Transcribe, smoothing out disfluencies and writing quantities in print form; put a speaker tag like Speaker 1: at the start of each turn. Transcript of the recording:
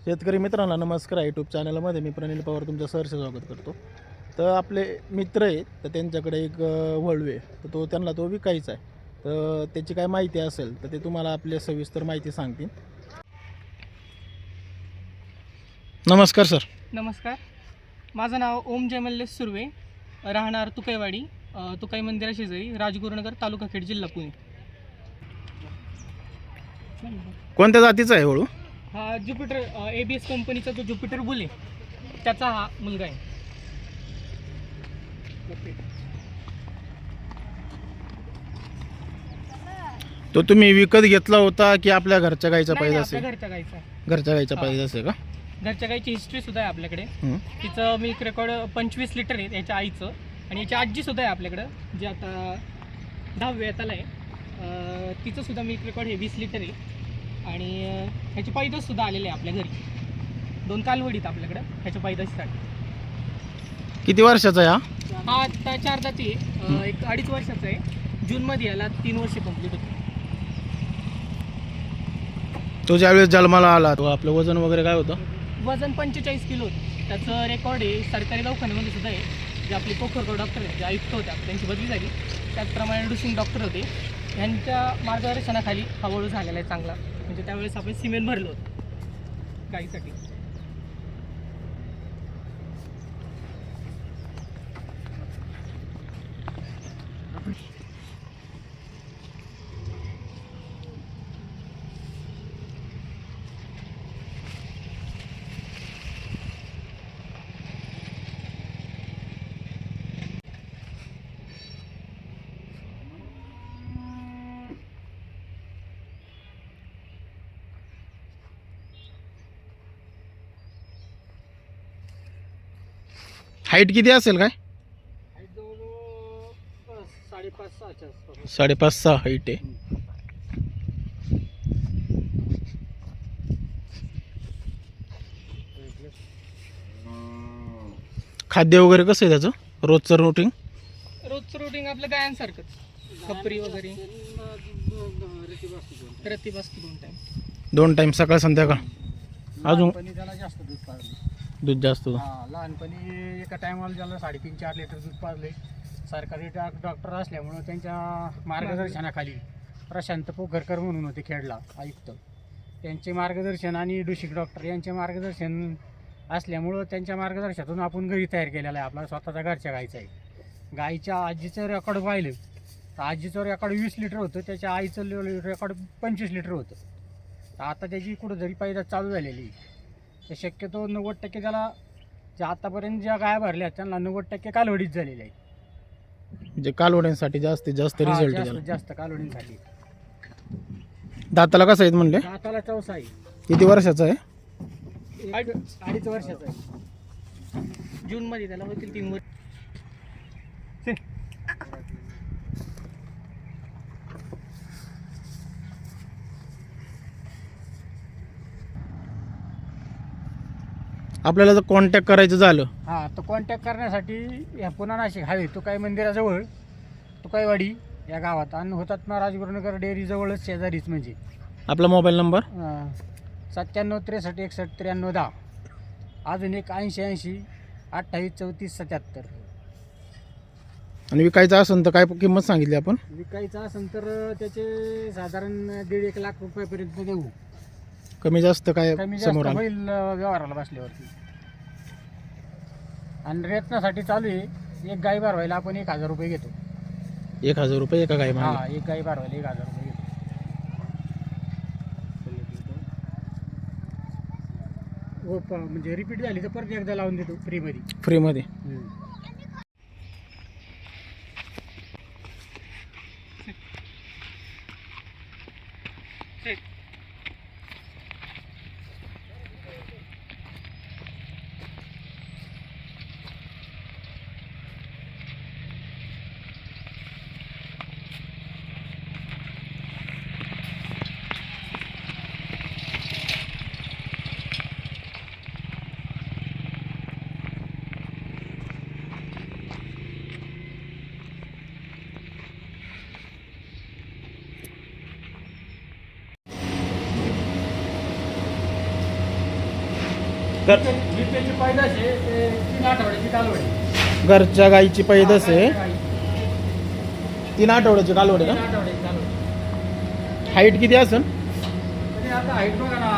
Speaker 1: शेतकरी मित्रांना नमस्कार. यूट्यूब चॅनलमध्ये मी प्रनिल पवार तुमचं सहर्ष स्वागत करतो. तर आपले मित्र आहेत, तर त्यांच्याकडे एक वळू आहे, तर त्यांना तो विकायचा आहे. तर त्याची काय माहिती असेल तर ते तुम्हाला आपल्या सविस्तर माहिती सांगतील. नमस्कार सर.
Speaker 2: नमस्कार. माझं नाव ओम जयमल्लेश सुर्वे, राहणार तुकैवाडी, तुकाई मंदिरा शेजारी, राजगुरुनगर, तालुका खेड, जिल्हा पुणे.
Speaker 1: कोणत्या जातीचा आहे वळू?
Speaker 2: हा ज्युपिटर ABS कंपनीचा जो ज्युपिटर बुल आहे त्याचा हा मुलगा आहे.
Speaker 1: तो तुम्ही विकत घेतला होता की आपल्या घरच्या गाईचा पाहिजे असेल?
Speaker 2: घरच्या गाईचा.
Speaker 1: घरच्या गाईचा पाहिजे असेल का?
Speaker 2: घरच्या गाईची हिस्ट्री सुद्धा आहे आपल्याकडे. तिचं मिल्क रेकॉर्ड 25 लिटर आहे याच्या आईचं, आणि याची आजी सुद्धा आहे आपल्याकडं, जी आता 10व्या येताला आहे. तिचं सुद्धा मिल्क रेकॉर्ड हे 20 लिटर आहे. आणि ह्याची पैदास सुद्धा आलेले आहे आपल्या घरी. 2 कालवडीत आपल्याकडं ह्याच्या पैदाशीसाठी.
Speaker 1: किती वर्षाचा आहे
Speaker 2: हा आता 4 दाती आहे. एक 2.5 वर्षाचा आहे. जूनमध्ये याला 3 वर्ष कंप्लीट होते.
Speaker 1: तो ज्यावेळेस जन्माला आला तो आपलं वजन वगैरे काय होतं?
Speaker 2: वजन 45 किलो होतं. त्याचं रेकॉर्ड आहे सरकारी दवाखान्यामध्ये सुद्धा आहे. जे आपले पोखरगाव डॉक्टर आहेत, जे आयुक्त होते, त्यांची बदली झाली. त्याचप्रमाणे डुसिंग डॉक्टर होते, यांच्या मार्गदर्शनाखाली हा वळू झालेला आहे चांगला. म्हणजे त्यावेळेस आपण सिमेंट भरलं होतं गाईसाठी.
Speaker 1: हाईट किती असेल काय? 5.5-6 हाईट आहे. खाद्य वगैरे कसं आहे त्याचं रोजचं रुटीन?
Speaker 2: रोजचं रुटीन आपलं गायांसारखंच, खपरी वगैरे, रती बसतो 2 टाईम.
Speaker 1: 2 टाईम सकाळ संध्याकाळ. अजून
Speaker 3: त्याला जास्त दूध पाजले.
Speaker 1: दूध जास्त होतं.
Speaker 3: लहानपणी एका टायमाला ज्याला 3.5-4 लिटर दूध पाजले. सरकारी डॉक्टर असल्यामुळं त्यांच्या मार्गदर्शनाखाली प्रशांत पोखरकर म्हणून होते खेडला आयुक्त, त्यांचे मार्गदर्शन आणि डुशिक डॉक्टर यांचे मार्गदर्शन असल्यामुळं त्यांच्या मार्गदर्शनातून आपण घरी तयार केलेला आहे. आपला स्वतःचा घरच्या गाईचा आहे. गाईच्या आजीचं रेकॉर्ड पाहिलं तर आजीचं रेकॉर्ड 20 लिटर होतं, त्याच्या आईचं रेकॉर्ड 25 लिटर होतं. तर आता त्याची कुठंतरी पैदास चालू झालेली. तर शक्यतो 90% त्याला ज्या आतापर्यंत ज्या गाया भरल्या त्यांना 90% कालवडीच झालेली आहे.
Speaker 1: म्हणजे कालवड्यांसाठी जास्तीत जास्त रिझल्ट आहे.
Speaker 3: जास्त कालवडींसाठी.
Speaker 1: दाताला कसं आहेत म्हणले?
Speaker 3: दाताला चौसा आहे.
Speaker 1: किती वर्षाचा आहे?
Speaker 3: 2.5 वर्षाचा आहे.
Speaker 2: जूनमध्ये त्याला होतील 3 वर्ष.
Speaker 1: आपल्याला जर कॉन्टॅक्ट करायचं झालं?
Speaker 3: हां, तर कॉन्टॅक्ट करण्यासाठी ह्या पुन्हा नाशिक हायवे तुकाई मंदिराजवळ तुकाईवाडी या गावात आणि हुतात्मा राजगुरुनगर डेअरीजवळच शेजारीच. म्हणजे
Speaker 1: आपला मोबाईल नंबर
Speaker 3: 97 63 61 93 10. अजून एक 80 80 28 34 77.
Speaker 1: आणि विकायचं असेल तर काय किंमत सांगितली आपण?
Speaker 3: विकायचं असेल तर त्याचे साधारण 1.5 लाख रुपयापर्यंत देऊ.
Speaker 1: कमी जास्त काय
Speaker 3: कमी जास्त
Speaker 1: समोर आलं?
Speaker 3: होईल व्यवहाराला बसल्यावरती. आणि रेतनासाठी चालू आहे. एक गाई भरवायला आपण 1,000 रुपये घेतो.
Speaker 1: 1,000 रुपये एका गाई मागे?
Speaker 3: हां, एक गाई भरवायला 1,000 रुपये घेतो. हो, म्हणजे रिपीट झाली तर परत एकदा लावून देतो फ्रीमध्ये.
Speaker 1: फ्रीमध्ये? तर
Speaker 3: ही त्याची पैदास आहे ते 3 आठवड्याची कालवड आहे.
Speaker 1: घरच्या गाईची पैदास आहे,
Speaker 3: गाई.
Speaker 1: 3 आठवड्याची कालवड आहे
Speaker 3: 3
Speaker 1: का?
Speaker 3: आठवड्याची कालवड.
Speaker 1: हाईट किती असेल?
Speaker 3: तरी आता हाईट बघा ना